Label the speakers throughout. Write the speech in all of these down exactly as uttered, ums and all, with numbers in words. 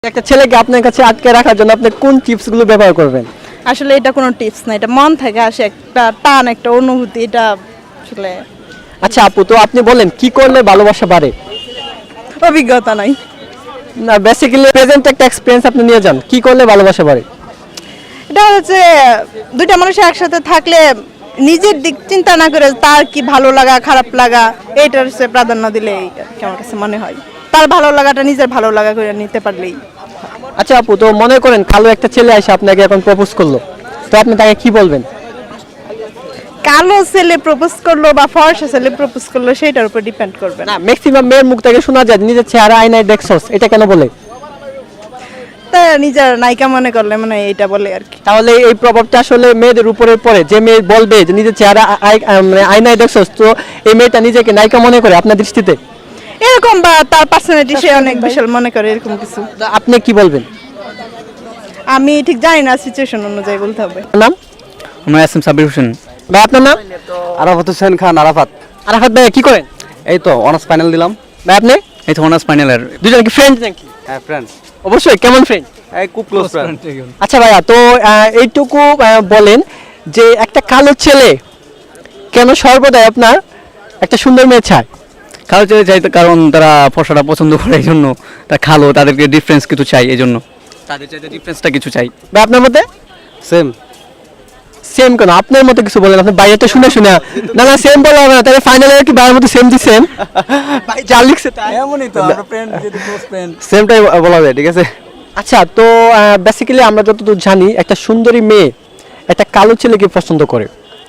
Speaker 1: একটা ছেলেকে আপনার কাছে আটকে রাখার জন্য আপনি কোন টিপস গুলো ব্যবহার করবেন?
Speaker 2: আসলে এটা কোনো টিপস না, এটা মন থেকে আসে একটা টান, একটা অনুভূতি। এটা আসলে
Speaker 1: আচ্ছা আপু, তো আপনি বলেন কি করলে ভালোবাসা বাড়ে?
Speaker 2: অভিজ্ঞতা নাই।
Speaker 1: না, বেসিক্যালি প্রেজেন্ট একটা এক্সপেরিয়েন্স আপনি নিয়ে যান, কি করলে ভালোবাসা বাড়ে?
Speaker 2: এটা হচ্ছে দুইটা মানুষ একসাথে থাকলে নিজের দিক চিন্তা না করে তার কি ভালো লাগা খারাপ লাগা এইটার হচ্ছে প্রাধান্য দিলে আমার কাছে মনে হয় তার ভালো লাগাটা নিজের ভালো লাগা করে নিতে পারলেই।
Speaker 1: আচ্ছা আপু, তো মনে করেন কালো একটা ছেলে এসে আপনাকে এখন প্রপোজ করলো, তো আপনি তাকে কি বলবেন?
Speaker 2: কালো ছেলে প্রপোজ করলো বা ফর্সা ছেলে প্রপোজ করলো সেটার উপর ডিপেন্ড করবে
Speaker 1: না, ম্যাক্সিমাম মেয়ের মুখ থেকে শোনা যায় নিজের চেহারা আয়নায় দেখছস, এটা কেন বলে?
Speaker 2: তা নিজের নায়িকা মনে করলে মানে এইটা বলে আর কি।
Speaker 1: তাহলে এই প্রভাবটা আসলে মেয়েদের উপরে পড়ে, যে মেয়ে বলবে যে নিজের চেহারা আই- আই- মানে আয়নায় দেখছস, তো এই মেয়েটা নিজেকে নায়িকা মনে করে আপনার দৃষ্টিতে?
Speaker 2: এরকম বা তার পার্সোনালিটি সে অনেক বিশাল মনে করে এরকম কিছু।
Speaker 1: তো আপনি কি বলবেন?
Speaker 2: আমি ঠিক জানি না, সিচুয়েশন অনুযায়ী বলতে হবে।
Speaker 1: নাম?
Speaker 3: আমরা এস এম সাবির হোসেন।
Speaker 1: ভাই আপনার নাম?
Speaker 4: আরাফাত হোসেন খান আরাফাত।
Speaker 1: আরাফাত ভাই কি করেন?
Speaker 4: এই তো অনার্স ফাইনাল দিলাম।
Speaker 1: ভাই আপনি?
Speaker 3: এই তো অনার্স ফাইনালের
Speaker 1: দুজন কি ফ্রেন্ড নাকি?
Speaker 4: হ্যাঁ ফ্রেন্ডস।
Speaker 1: অবশ্যই, কেমন ফ্রেন্ড?
Speaker 4: এই খুব ক্লোজ ফ্রেন্ড।
Speaker 1: আচ্ছা ভাইয়া, তো আহ, এইটুকু আহ, বলেন যে একটা কালো ছেলে কেন সর্বদাই আপনার একটা সুন্দর মেয়ে চায়?
Speaker 3: কালো ছেলে চাইতে কারণ তারা ফর্সাটা পছন্দ করে, এই জন্য তারা কালো, তাদেরকে ডিফারেন্স কিছু চাই, এই জন্য তাদের চাইতে ডিফারেন্সটা কিছু চাই।
Speaker 1: ভাই আপনার মতে?
Speaker 4: সেম।
Speaker 1: সেম কেন? আপনার মতো কিছু বলেন, আপনি বাইরেটা শুনে শুনে না না সেম বলা হবে না, তাহলে ফাইনালে কি বাইরের মতো সেম দিচ্ছেন? ভাই যা লিখছে তাই।
Speaker 3: এমনই তো আমরা ফ্রেন্ড, যেহেতু ক্লোজ ফ্রেন্ড।
Speaker 4: সেমটাই বলা যায়, ঠিক আছে।
Speaker 1: আচ্ছা, তো বেসিক্যালি আমরা যতদূর জানি একটা সুন্দরী মেয়ে একটা কালো ছেলেকে পছন্দ করে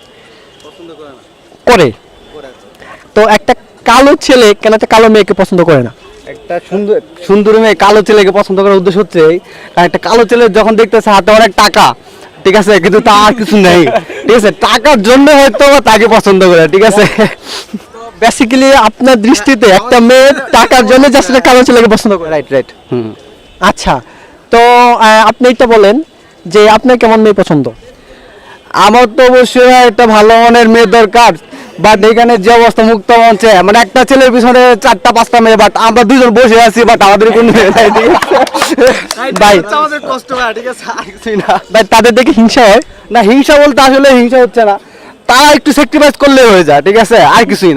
Speaker 1: করে তো একটা কালো ছেলে কেন একটা কালো মেয়েকে পছন্দ করে না?
Speaker 4: একটা সুন্দর সুন্দর মেয়ে কালো ছেলেকে পছন্দ করার উদ্দেশ্য হচ্ছে এই, কারণ একটা কালো ছেলে যখন দেখতেছে হাতে অনেক টাকা, ঠিক আছে, কিন্তু তার কিছু নেই, ঠিক আছে, টাকার জন্য হয়তো তাকে পছন্দ করে, ঠিক আছে।
Speaker 1: বেসিক্যালি আপনার দৃষ্টিতে একটা মেয়ে টাকার জন্য জাস্ট একটা কালো ছেলেকে পছন্দ করে?
Speaker 4: Right right hmm.
Speaker 1: আচ্ছা, তো আহ, আপনি এটা বলেন যে আপনার কেমন মেয়ে পছন্দ?
Speaker 4: আমার তো অবশ্যই একটা ভালো মনের মেয়ে দরকার, বাট এখানে যে অবস্থা মুক্ত মঞ্চে মানে একটা ছেলের পিছনে চারটা পাঁচটা মেয়ে, বাট আমরা দুজন বসে আছি, বাট আমাদের কোনো মেয়ে নাই, ঠিক আছে।
Speaker 1: ভাই
Speaker 4: আমাদের কষ্ট হয়, ঠিক আছে, আর কিছুই না।
Speaker 1: ভাই তাদের দেখে হিংসা হয়?
Speaker 4: না, হিংসা বলতে আসলে হিংসা হচ্ছে না, তারা একটু স্যাক্রিফাইস করলে হয়ে যায়, ঠিক আছে, আর কিছুই না।